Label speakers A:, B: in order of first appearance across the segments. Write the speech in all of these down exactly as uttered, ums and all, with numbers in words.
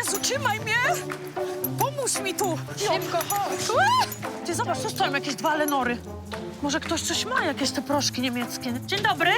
A: Jezu, trzymaj mnie! Pomóż mi tu!
B: Szybko, chodź.
A: Ue! Ty zobacz, tu stoją jakieś dwa Lenory. Może ktoś coś ma, jakieś te proszki niemieckie. Dzień dobry.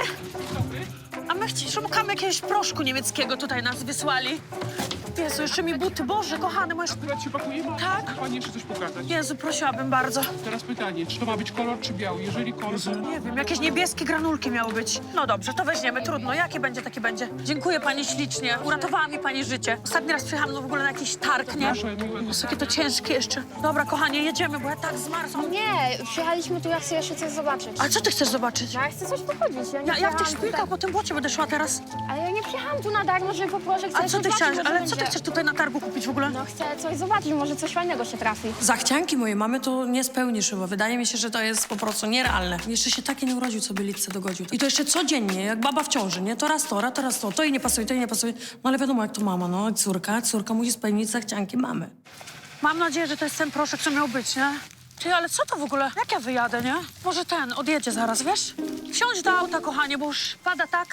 A: A my chci- szukamy jakiegoś proszku niemieckiego, tutaj nas wysłali. Jezu, jeszcze mi buty. Boże, kochany, możesz...
C: Akurat się pakujemy,
A: Tak?
C: Pani jeszcze coś pokazać.
A: Jezu, prosiłabym bardzo.
C: Teraz pytanie, czy to ma być kolor, czy biały? Jeżeli kolor, to...
A: Nie wiem, jakieś niebieskie granulki miały być. No dobrze, to weźmiemy, trudno. Jakie będzie, takie będzie. Dziękuję pani ślicznie. Uratowała mi pani życie. Ostatni raz przyjechałam no w ogóle na jakiś targ, nie?
C: Proszę, miłego.
A: Jezu, jakie to ciężkie jeszcze. Dobra, kochanie, jedziemy, bo ja tak zmarzłam.
B: Nie, przyjechaliśmy tu, ja chcę jeszcze coś zobaczyć.
A: A co ty chcesz zobaczyć?
B: Ja chcę coś pochodzić. Ja, nie
A: Ja, ja w tych
B: przyjechałam
A: szpilkach po tym błocie będę szła teraz.
B: tutaj- Ale ja nie przyjechałam tu na darmo, żeby po proszę. Chcę
A: Ale co
B: coś
A: ty
B: zobaczyć,
A: chciałaś?
B: może
A: Ale co ty
B: będzie.
A: chcesz tutaj na targu kupić w ogóle?
B: No chcę coś zobaczyć, może coś fajnego się trafi.
D: Zachcianki mojej mamy to nie spełnisz chyba. Wydaje mi się, że to jest po prostu nierealne. Jeszcze się takie nie urodził, co by Litce dogodził. I to jeszcze codziennie, jak baba w ciąży, nie? To raz to, raz to, raz to. To jej nie pasuje, to jej nie pasuje. No ale wiadomo, jak to mama, no. Córka, córka musi spełnić zachcianki mamy.
A: Mam nadzieję, że to jest ten proszek, co miał być, nie? Ty, ale co to w ogóle? Jak ja wyjadę, nie? Może ten odjedzie zaraz, wiesz? Wsiądź do auta, kochanie, bo już pada tak.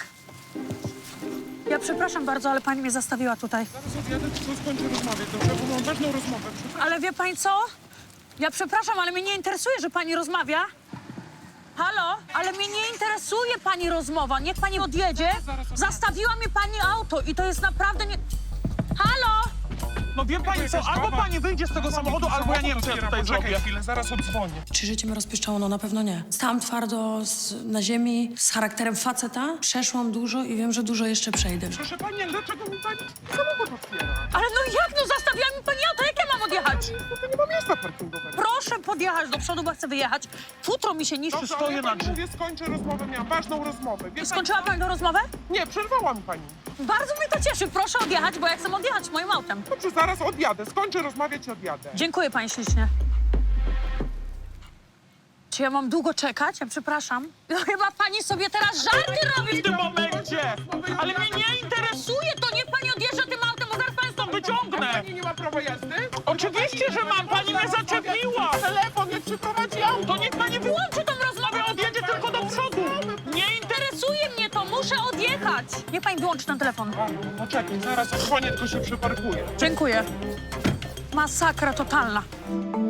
A: Ja przepraszam bardzo, ale pani mnie zastawiła tutaj.
C: Zaraz odjadę, tylko skończę rozmawiać, dobrze? Bo mam ważną rozmowę.
A: Ale wie pani co? Ja przepraszam, ale mnie nie interesuje, że pani rozmawia. Halo? Ale mnie nie interesuje pani rozmowa. Niech pani odjedzie. Zastawiła mi pani auto i to jest naprawdę nie... Halo?
E: No wie pani co, albo pani wyjdzie z tego samochodu, albo ja nie wiem, co ja tutaj
C: Poczekaj
E: zrobię.
C: chwilę, zaraz odzwonię.
D: Czy życie mnie rozpieszczało? No na pewno nie. Stałam twardo z, na ziemi, z charakterem faceta. Przeszłam dużo i wiem, że dużo jeszcze przejdę.
C: Proszę pani, ale dlaczego mi pani samochód otwiera?
A: Ale no jak? No zastawiła mi pani auto. Jak ja mam odjechać?
C: No to nie ma miejsca parkingowego.
A: Proszę podjechać do przodu, bo chcę wyjechać. Futro mi się niszczy.
C: Dobrze, ale
E: stoję
C: ja
E: na
C: pani
E: drzewie.
C: mówię, skończę rozmowę, miałam ważną rozmowę. Wie pani
A: Skończyła
C: co?
A: pani tę rozmowę?
C: Nie, przerwała mi pani.
A: Bardzo mnie to cieszy. Proszę odjechać, bo ja chcę odjechać moim autem.
C: Dobrze, zaraz odjadę, skończę rozmawiać i odjadę.
A: Dziękuję pani ślicznie. Czy ja mam długo czekać? Ja przepraszam. No chyba pani sobie teraz żarty robi.
E: W tym momencie! Ale mnie nie
A: Interesuje to, niech pani odjeżdża tym autem, bo zaraz pani stąd
E: wyciągnę!
C: Pani nie ma prawa jazdy?
E: Oczywiście, że mam! Pani mnie zaczepiła!
C: Telefon, jak przyprowadzi auto.
E: To niech pani wyłączy tą rozmowę, odjedzie tylko do przodu!
A: Nie interesuje mnie to, muszę odjechać. Niech pani wyłączy ten telefon.
C: No czekaj, zaraz odzwonię, tylko się przeparkuję.
A: Dziękuję. Masakra totalna.